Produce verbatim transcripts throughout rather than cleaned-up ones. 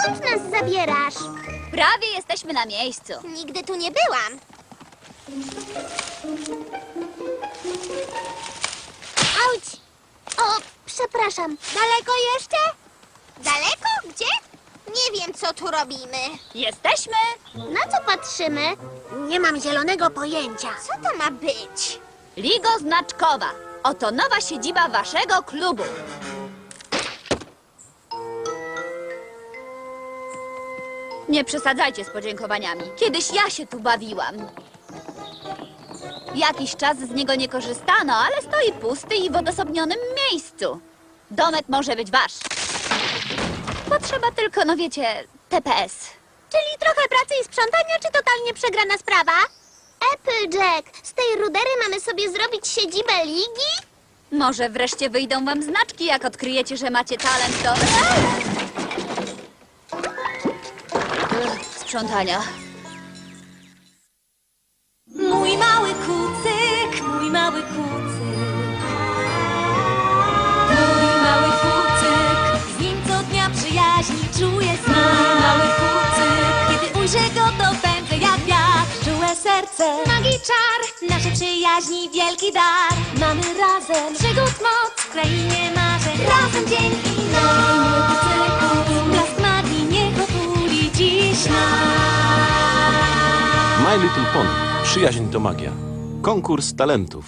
Dokąd nas zabierasz? Prawie jesteśmy na miejscu. Nigdy tu nie byłam. Auć! O, przepraszam. Daleko jeszcze? Daleko? Gdzie? Nie wiem, co tu robimy. Jesteśmy! Na co patrzymy? Nie mam zielonego pojęcia. Co to ma być? Ligo Znaczkowa. Oto nowa siedziba waszego klubu. Nie przesadzajcie z podziękowaniami. Kiedyś ja się tu bawiłam. Jakiś czas z niego nie korzystano, ale stoi pusty i w odosobnionym miejscu. Domek może być wasz. Potrzeba tylko, no wiecie, T P S. Czyli trochę pracy i sprzątania, czy totalnie przegrana sprawa? Applejack, z tej rudery mamy sobie zrobić siedzibę ligi? Może wreszcie wyjdą wam znaczki, jak odkryjecie, że macie talent do... Ech, sprzątania. Mój mały kucyk, mój mały kucyk. Mój mały kucyk, z nim co dnia przyjaźni czuję smak. Mój mały kucyk, kiedy ujrzę go, to pędzę jak wiatr. Czułe serce, magii czar, naszej przyjaźni wielki dar. Mamy razem przygód moc w krainie marzeń. Razem dzień i noc. Mój kucyku, blask magii niech otuli dziś nas. My Little Pony. Przyjaźń to magia. Konkurs talentów.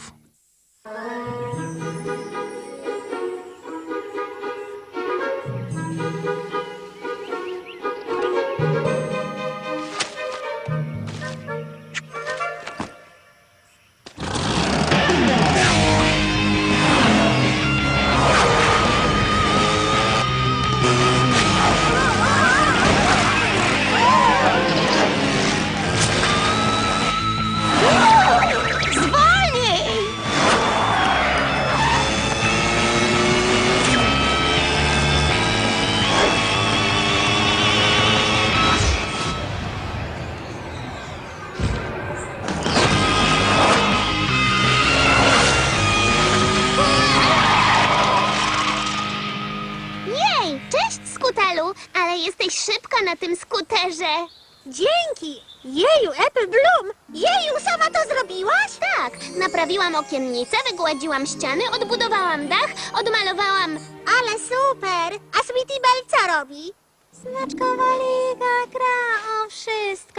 Jej, cześć, Skutelu, ale jesteś szybka na tym skuterze. Dzięki! Jeju, Apple Bloom! Jeju, sama to zrobiłaś? Tak, naprawiłam okiennice, wygładziłam ściany, odbudowałam dach, odmalowałam... Ale super! A Sweetie Belle co robi? Znaczkowa liga gra o wszystko.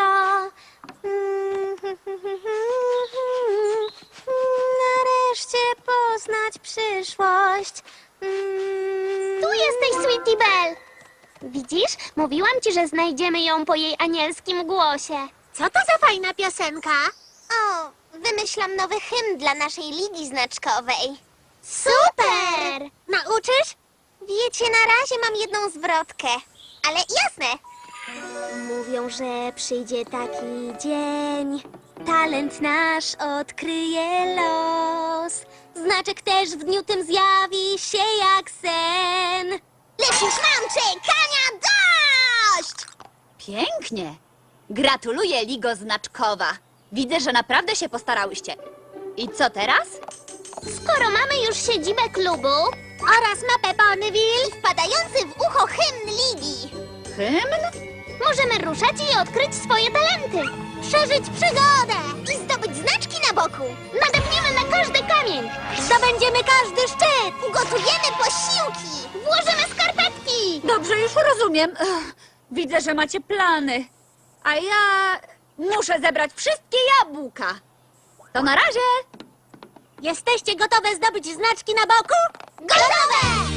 Nareszcie poznać przyszłość. Tu jesteś, Sweetie Belle! Widzisz? Mówiłam ci, że znajdziemy ją po jej anielskim głosie. Co to za fajna piosenka? O, wymyślam nowy hymn dla naszej ligi znaczkowej. Super! Nauczysz? Wiecie, na razie mam jedną zwrotkę. Ale jasne. Mówią, że przyjdzie taki dzień. Talent nasz odkryje los. Znaczek też w dniu tym zjawi się jak sen. Lecz już mam czekania dość! Pięknie. Gratuluję, Ligo Znaczkowa. Widzę, że naprawdę się postarałyście. I co teraz? Skoro mamy już siedzibę klubu oraz mapę Ponyville i wpadający w ucho hymn ligi, Hymn? możemy ruszać i odkryć swoje talenty. Przeżyć przygodę i zdobyć znaczki na boku. Nadepniemy na każdy kamień. Zdobędziemy każdy szczyt. Ugotujemy posiłki. Włożymy skarpetki. Dobrze, już rozumiem. Ech, widzę, że macie plany. A ja muszę zebrać wszystkie jabłka. To na razie. Jesteście gotowe zdobyć znaczki na boku? Gotowe!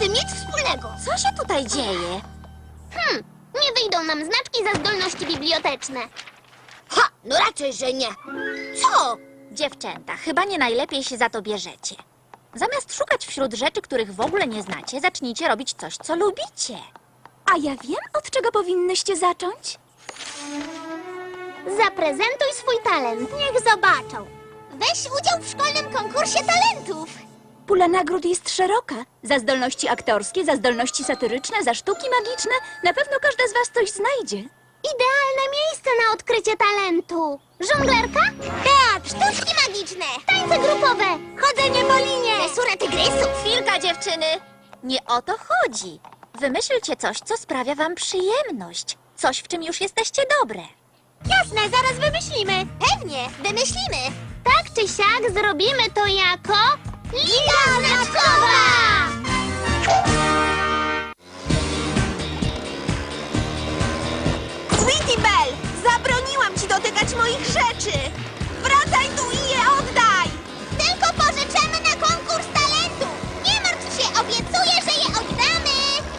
tym nic wspólnego. Co się tutaj dzieje? Hmm, nie wyjdą nam znaczki za zdolności biblioteczne. Ha, no raczej, że nie. Co? Dziewczęta, chyba nie najlepiej się za to bierzecie. Zamiast szukać wśród rzeczy, których w ogóle nie znacie, zacznijcie robić coś, co lubicie. A ja wiem, od czego powinnyście zacząć. Zaprezentuj swój talent. Niech zobaczą. Weź udział w szkolnym konkursie talentów. Pula nagród jest szeroka. Za zdolności aktorskie, za zdolności satyryczne, za sztuki magiczne. Na pewno każda z was coś znajdzie. Idealne miejsce na odkrycie talentu. Żonglerka? Teatr, sztuczki magiczne, tańce grupowe, chodzenie po linie, dresura tygrysów. Chwilka, dziewczyny! Nie o to chodzi. Wymyślcie coś, co sprawia wam przyjemność. Coś, w czym już jesteście dobre. Jasne, zaraz wymyślimy. Pewnie, wymyślimy. Tak czy siak zrobimy to jako Liga Znaczkowa! Sweetie Belle, zabroniłam ci dotykać moich rzeczy. Wracaj tu i je oddaj. Tylko pożyczymy na konkurs talentu. Nie martw się, obiecuję, że je oddamy.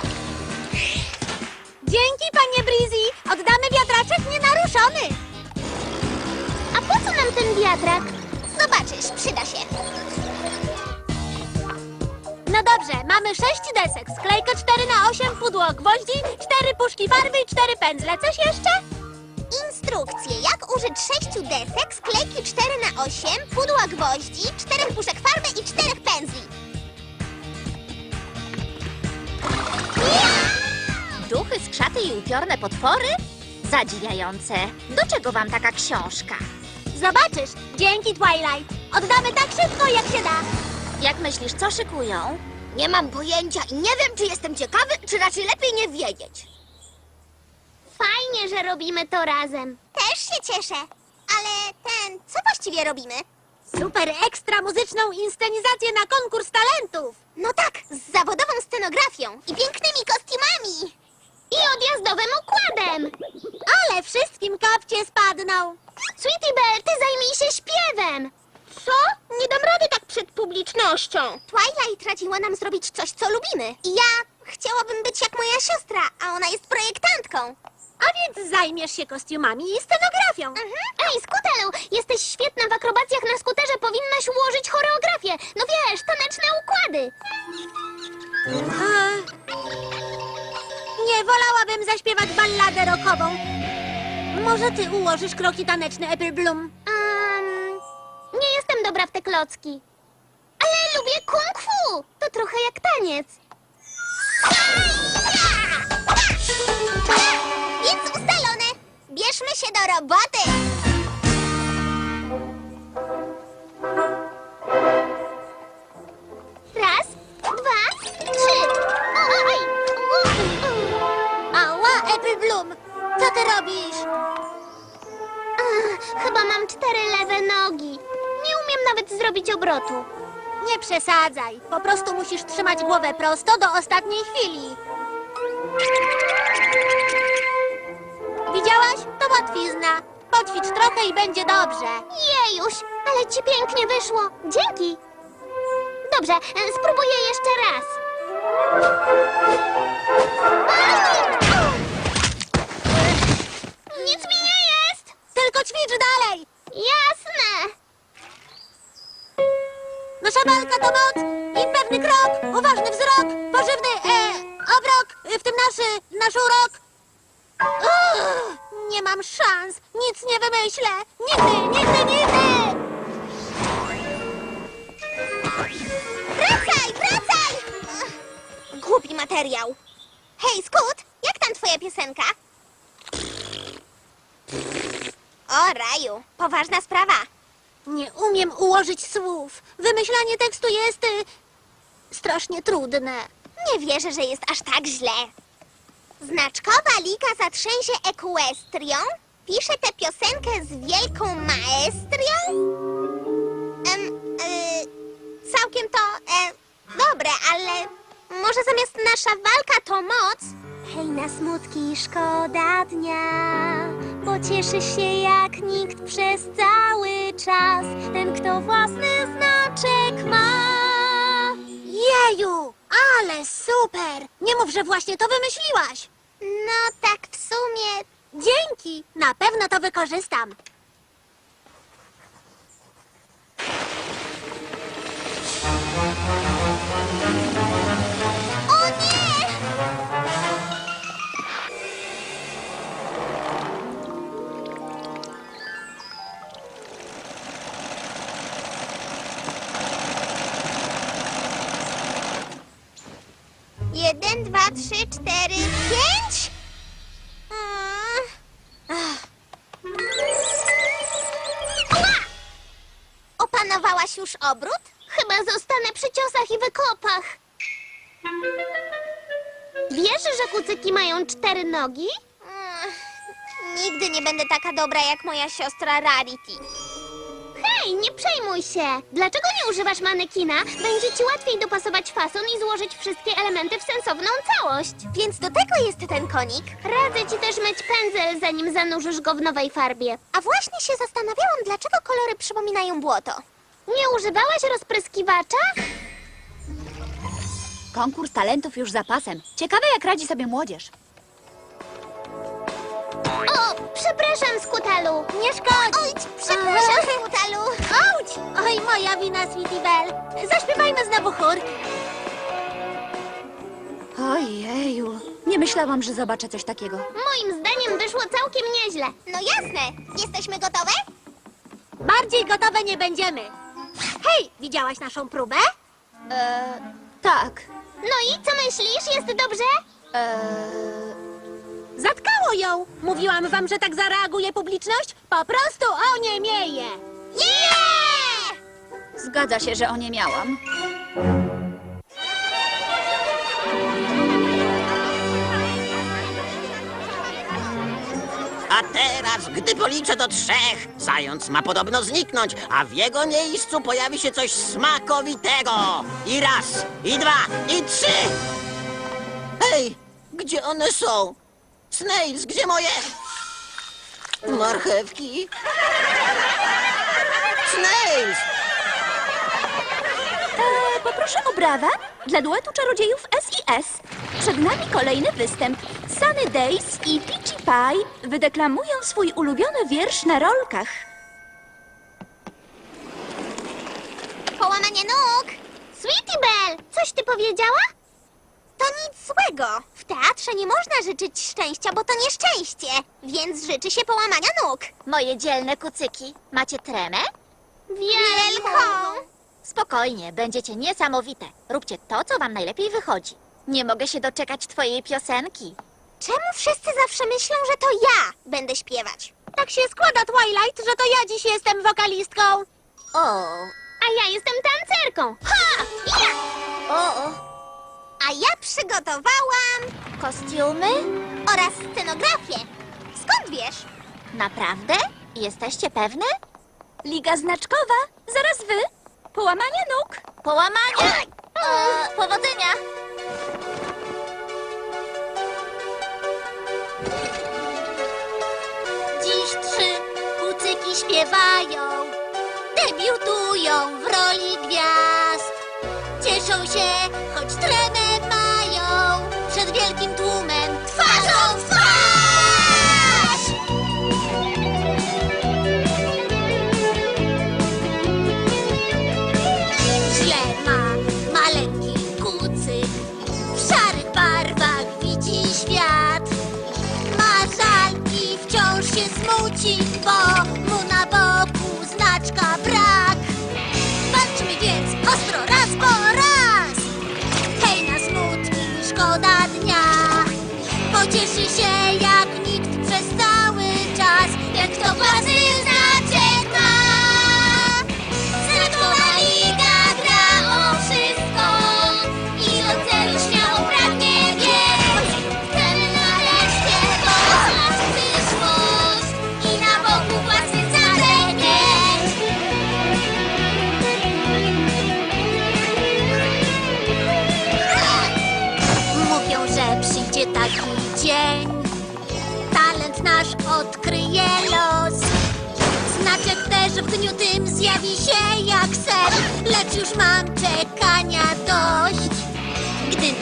Dzięki, panie Breezy. Oddamy wiatraczek nienaruszony. A po co nam ten wiatrak? Zobaczysz, przyda się. No dobrze, mamy sześć desek, sklejkę cztery na osiem, pudło gwoździ, cztery puszki farby i cztery pędzle. Coś jeszcze? Instrukcje, jak użyć sześciu desek, sklejki cztery na osiem, pudła gwoździ, czterech puszek farby i czterech pędzli. Duchy, skrzaty i upiorne potwory? Zadziwiające. Do czego wam taka książka? Zobaczysz, dzięki Twilight. Oddamy tak szybko, jak się da. Jak myślisz, co szykują? Nie mam pojęcia i nie wiem, czy jestem ciekawy, czy raczej lepiej nie wiedzieć. Fajnie, że robimy to razem. Też się cieszę. Ale ten, co właściwie robimy? Super ekstra muzyczną inscenizację na konkurs talentów. No tak, z zawodową scenografią i pięknymi kostiumami. I odjazdowym układem. Ale wszystkim kapcie spadną. Sweetie Belle, ty zajmij się śpiewem. Co? Nie dam rady tak przed publicznością. Twilight radziła nam zrobić coś, co lubimy. I ja chciałabym być jak moja siostra, a ona jest projektantką. A więc zajmiesz się kostiumami i scenografią. Mhm. Ej, Skutelu, jesteś świetna w akrobacjach na skuterze, powinnaś ułożyć choreografię. No wiesz, taneczne układy. Nie, wolałabym zaśpiewać balladę rockową. Może ty ułożysz kroki taneczne, Apple Bloom? Um, nie jestem dobra w te klocki. Ale lubię kung fu. To trochę jak taniec. Więc ustalone. Bierzmy się do roboty. Raz, dwa, trzy. Oj! Ała, Apple Bloom. Co ty robisz? Ach, chyba mam cztery lewe nogi. Nie umiem nawet zrobić obrotu. Nie przesadzaj. Po prostu musisz trzymać głowę prosto do ostatniej chwili. Widziałaś? To łatwizna. Poćwicz trochę i będzie dobrze. Jejuś, ale ci pięknie wyszło. Dzięki. Dobrze, e, spróbuję jeszcze raz. Nic mi nie jest. Tylko ćwicz dalej. Jasne. Nasza walka to moc i pewny krok, uważny wzrok, pożywny e, obrok, w tym naszy, nasz urok. Uch, nie mam szans, nic nie wymyślę. Nigdy, nigdy, nigdy. Wracaj, wracaj! Ach, głupi materiał. Hej, Skut, jak tam twoja piosenka? O, raju, poważna sprawa. Nie umiem ułożyć słów. Wymyślanie tekstu jest y, strasznie trudne. Nie wierzę, że jest aż tak źle. Znaczkowa Liga zatrzęsie Ekwestrią pisze tę piosenkę z wielką maestrią? Em, y, całkiem to e, dobre, ale może zamiast nasza walka to moc? Hej, na smutki szkoda dnia, bo cieszy się jak nikt przez cały czas ten, kto własny znaczek ma. Jeju! Ale super! Nie mów, że właśnie to wymyśliłaś. No tak w sumie. Dzięki! Na pewno to wykorzystam. O nie! Jeden, dwa, trzy, cztery, pięć? Mm. Ach. Ła! Opanowałaś już obrót? Chyba zostanę przy ciosach i wykopach. Wiesz, że kucyki mają cztery nogi? Mm. Nigdy nie będę taka dobra jak moja siostra Rarity. Hej, nie przejmuj się! Dlaczego nie używasz manekina? Będzie ci łatwiej dopasować fason i złożyć wszystkie elementy w sensowną całość. Więc do tego jest ten konik. Radzę ci też myć pędzel, zanim zanurzysz go w nowej farbie. A właśnie się zastanawiałam, dlaczego kolory przypominają błoto. Nie używałaś rozpryskiwacza? Konkurs talentów już za pasem. Ciekawe, jak radzi sobie młodzież. O, przepraszam, Skutalu. Nie szkodzi. Oj, przepraszam, Skutalu. Auć! Oj, moja wina, Sweetie Belle. Zaśpiewajmy znowu chór. Ojeju, nie myślałam, że zobaczę coś takiego. Moim zdaniem wyszło całkiem nieźle. No jasne. Jesteśmy gotowe? Bardziej gotowe nie będziemy. Hej, widziałaś naszą próbę? Eee, tak. No i co myślisz? Jest dobrze? Eee, Zatkało ją! Mówiłam wam, że tak zareaguje publiczność? Po prostu oniemieje! Yeah! zgadza się, że oniemiałam. A teraz, gdy policzę do trzech, zając ma podobno zniknąć, a w jego miejscu pojawi się coś smakowitego. I raz, i dwa, i trzy! Hej, gdzie one są? Snails, gdzie moje... marchewki? Snails! Eee, poproszę o brawa dla duetu czarodziejów S i S. Przed nami kolejny występ. Sunny Days i Peachy Pie wydeklamują swój ulubiony wiersz na rolkach. Połamanie nóg! Sweetie Belle, coś ty powiedziała? To nic złego. W teatrze nie można życzyć szczęścia, bo to nieszczęście. Więc życzy się połamania nóg. Moje dzielne kucyki, macie tremę? Wielką! Spokojnie, będziecie niesamowite. Róbcie to, co wam najlepiej wychodzi. Nie mogę się doczekać twojej piosenki. Czemu wszyscy zawsze myślą, że to ja będę śpiewać? Tak się składa, Twilight, że to ja dziś jestem wokalistką. O, A ja jestem tancerką. Ha! Ja! o, o. A ja przygotowałam Kostiumy? oraz scenografię. Skąd wiesz? Naprawdę? Jesteście pewne? Liga znaczkowa, zaraz wy. Połamanie nóg. Połamanie! E, powodzenia! Dziś trzy kucyki śpiewają, debiutują w roli gwiazd. Cieszą się, choć tremę mają, przed wielkim tłumem twarzą w twarz! Źle ma maleńki kucyk, w szarych barwach widzi świat. Ma żal i wciąż się smuci, bo mu na boku znaczka brak. Walczmy więc ostro raz po raz. Hej na smutki, szkoda dnia. Pocieszy się jak nikt przez cały czas, jak kto własny znaczek ma. Znaczkowa liga gra o wszystko i do celu śmiało pragnie biec. Chcemy nareszcie poznać przyszłość i na boku własny znaczek mieć. Mówią, że przyjdzie taki dzień, talent nasz odkryje los. Znaczek też w dniu tym zjawi się jak sen, lecz już mam czekania dość. Gdy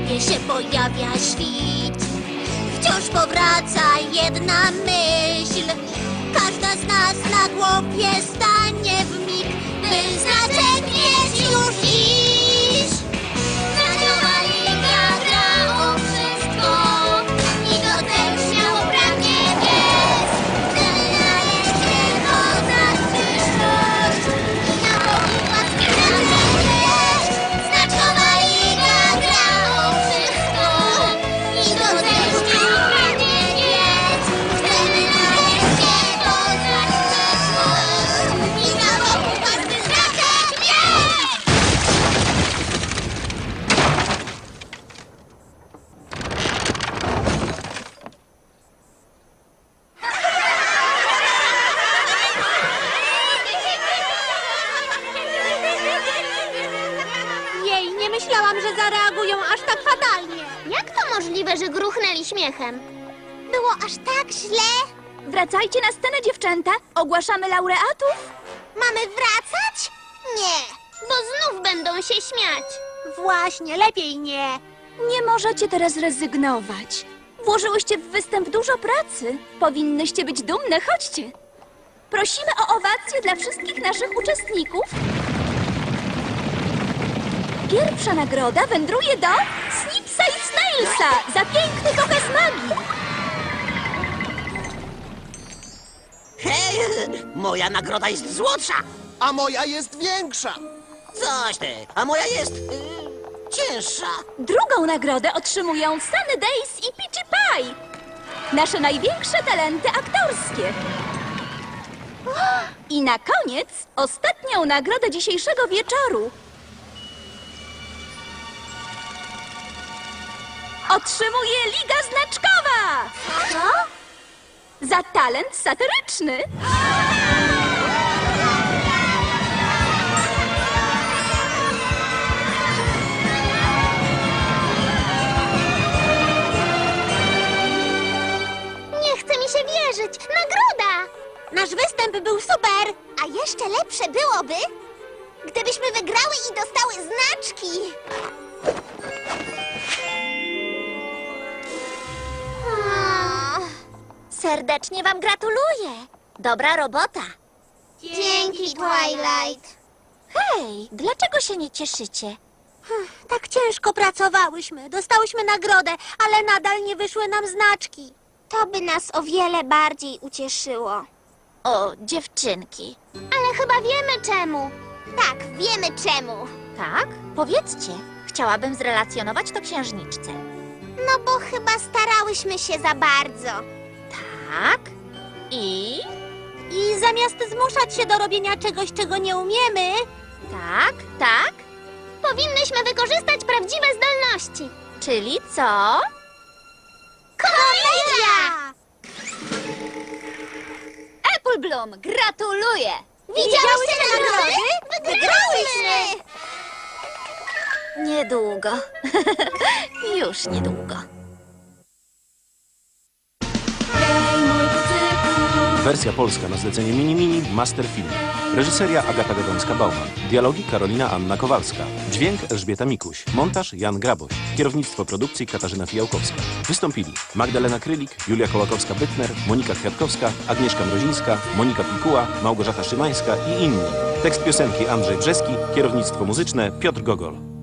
niebie się pojawia świt. Wciąż powraca jedna myśl. Każda z nas na głowie stanie w mig, by znaczek mieć już dziś. Znaciowa liga gra o wszystko i do tego śmiało pragnie biec. Chcemy nareszcie poznać przyszłość i na Bogu łaski znaleźć. Znaciowa liga gra o wszystko i do tego śmiało pragnie biec. Chcemy nareszcie poznać przyszłość i na Bogu łaski znaczek mieć. Jej, nie myślałam, że zareagują aż tak fatalnie. Jak to możliwe, że gruchnęli śmiechem? Było aż tak źle? Wracajcie na scenę, dziewczęta. Ogłaszamy laureatów. Mamy wracać? Nie, bo znów będą się śmiać. Właśnie, lepiej nie. Nie możecie teraz rezygnować. Włożyłyście w występ dużo pracy. Powinnyście być dumne. Chodźcie. Prosimy o owację dla wszystkich naszych uczestników. Pierwsza nagroda wędruje do Snipsa i Snailsa za piękny pokaz magii. Hej, moja nagroda jest złotsza. A moja jest większa. Coś ty, a moja jest y, cięższa. Drugą nagrodę otrzymują Sunny Days i Peachy Pie. Nasze największe talenty aktorskie. I na koniec ostatnią nagrodę dzisiejszego wieczoru. Otrzymuje Liga Znaczkowa! Za talent satyryczny. Nie chce mi się wierzyć. Nagroda! Nasz występ był super. A jeszcze lepsze byłoby, gdybyśmy wygrały i dostały znaczki. Serdecznie wam gratuluję. Dobra robota. Dzięki, Twilight. Hej, dlaczego się nie cieszycie? Tak ciężko pracowałyśmy. Dostałyśmy nagrodę, ale nadal nie wyszły nam znaczki. To by nas o wiele bardziej ucieszyło. O, dziewczynki. Ale chyba wiemy czemu. Tak, wiemy czemu. Tak? Powiedzcie. Chciałabym zrelacjonować to księżniczce. No bo chyba starałyśmy się za bardzo. Tak? I? I zamiast zmuszać się do robienia czegoś, czego nie umiemy, Tak, tak? Powinnyśmy wykorzystać prawdziwe zdolności. Czyli co? Komedia! Apple Bloom, gratuluję! Widziałyście nagrody? Wygrałyśmy! Niedługo. Już niedługo. Wersja polska na zlecenie Mini Mini Master Film. Reżyseria Agata Gadomska-Bauman. Dialogi Karolina Anna Kowalska. Dźwięk Elżbieta Mikuś. Montaż Jan Graboś. Kierownictwo produkcji Katarzyna Fijałkowska. Wystąpili Magdalena Krylik, Julia Kołakowska-Bytner, Monika Kwiatkowska, Agnieszka Mrozińska, Monika Pikuła, Małgorzata Szymańska i inni. Tekst piosenki Andrzej Brzeski. Kierownictwo muzyczne Piotr Gogol.